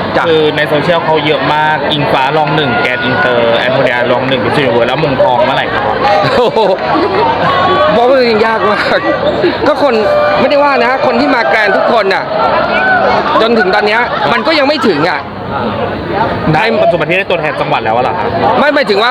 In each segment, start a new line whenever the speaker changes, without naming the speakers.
คือในโซเชียลเขาเยอะมากอิงฟ้าลองหนึ่งแกนอินเตอร์แอนโทเนียลองหนึ่งมิสยูนิเวิร์สแล้วมงทองเมื่อไหร่ครับ
โอ้โหบอกว่ามันยากมากก็คนไม่ได้ว่านะคนที่มาแกรนด์ทุกคนน่ะจนถึงตอนเนี้ยมันก็ยังไม่ถึงอ่ะ
ได้ปัจจุบันที่ได้ตัวแทนจังหวัดแล้วเหรอครับ
ไม่หมายถึงว่า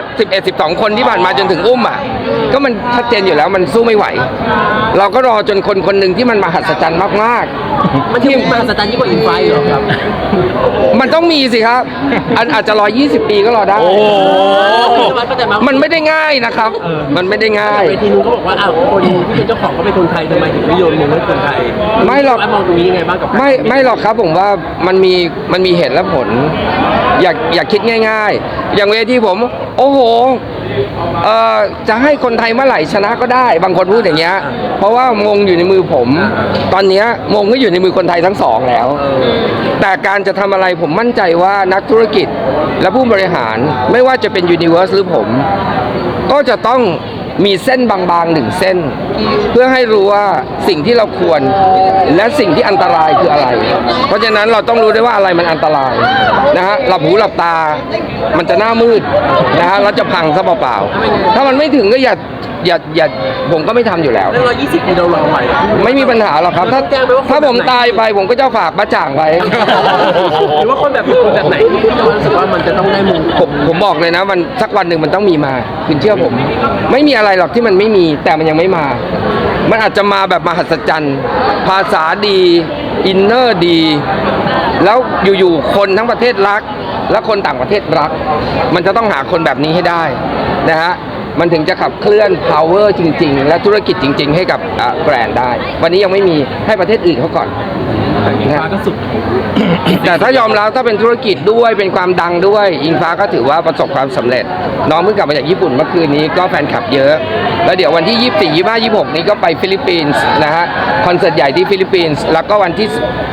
11 12 คนที่ผ่านมาจนถึงอุ้มอ่ะก็มันชัดเจนอยู่แล้วมันสู้ไม่ไหว เราก็รอจนคนคนหนึ่งที่มันมหัศจรรย์มากๆ
มันที่มหัศจรรย์ยิ่งกว่าอินไฟเหรอครับ
มันต้องมีสิครับอาจจะ120 ปีก็รอได้
โอ้โห
มันไม่ได้ง่ายนะครับมันไม่ได้ง่าย
เวทีนู้นก็บอกว่าอ้าวคนที่เป็นเจ้าของก็เป็นคนไทยทำไมถึงไม่โยนมือให้คนไทย
ไม่หรอก
มองตรงนี้ยังไงบ้างกับ
ไม่หรอกครับผมว่ามันมีเหตุและผลอย่าคิดง่ายๆ อย่างเวทีผมโอ้โหจะให้คนไทยเมื่อไหร่ชนะก็ได้บางคนพูดอย่างเงี้ยเพราะว่ามงอยู่ในมือผม ตอนเนี้ยมงก็อยู่ในมือคนไทยทั้งสองแล้ว แต่การจะทำอะไรผมมั่นใจว่านักธุรกิจและผู้บริหารไม่ว่าจะเป็นยูนิเวอร์สหรือผม ก็จะต้องมีเส้นบางๆหนึ่งเส้น เพื่อให้รู้ว่าสิ่งที่เราควรและสิ่งที่อันตรายคืออะไร เพราะฉะนั้นเราต้องรู้ได้ว่าอะไรมันอันตรายนะฮะหลับหูหลับตามันจะหน้ามืดนะฮะเราจะพังซะเปล่าๆถ้ามันไม่ถึงก็อย่าผมก็ไม่ทำอยู่แล้ว
แล้ว120ปีเรารอไหว
ไม่มีปัญหาหรอกครับถ้าผมตายไปผมก็จะฝากบ้าจ่างไว้
หรือว่าคนแบบไหนที่เรารู้สึกว่ามันจะต้องได้มง
ผมบอกเลยนะมันสักวันหนึ่งมันต้องมีมาคุณเชื่อผม ไม่มีอะไรหรอกที่มันไม่มีแต่มันยังไม่มา มันอาจจะมาแบบมหัศจรรย์ภาษาดีอินเนอร์ดี แล้วอยู่ๆคนทั้งประเทศรัก และคนต่างประเทศรัก มันจะต้องหาคนแบบนี้ให้ได้นะฮะมันถึงจะขับเคลื่อน power จริงๆ และธุรกิจจริงๆ ให้กับแบรนด์ได้ วันนี้ยังไม่มีให้ประเทศอื่นเขาก่อน
แต่อินฟ้าก็สุด
แต่ถ้ายอมรับถ้าเป็นธุรกิจด้วยเป็นความดังด้วยอิงฟ้าก็ถือว่าประสบความสำเร็จ น้องเพิ่งกลับมาจากญี่ปุ่นเมื่อคืนนี้ก็แฟนคลับเยอะ แล้วเดี๋ยววันที่ 24 25 26 นี้ก็ไปฟิลิปปินส์นะฮะคอนเสิร์ตใหญ่ที่ฟิลิปปินส์แล้วก็วันที่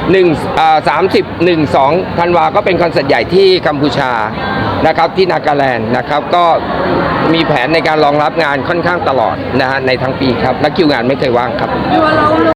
30 1 2 ธันวาก็เป็นคอนเสิร์ตใหญ่ที่กัมพูชานะครับที่นากาแลนด์นะครับก็มีแผนในการรองรับงานค่อนข้างตลอดนะฮะในทั้งปีครับและคิวงานไม่เคยว่างครับ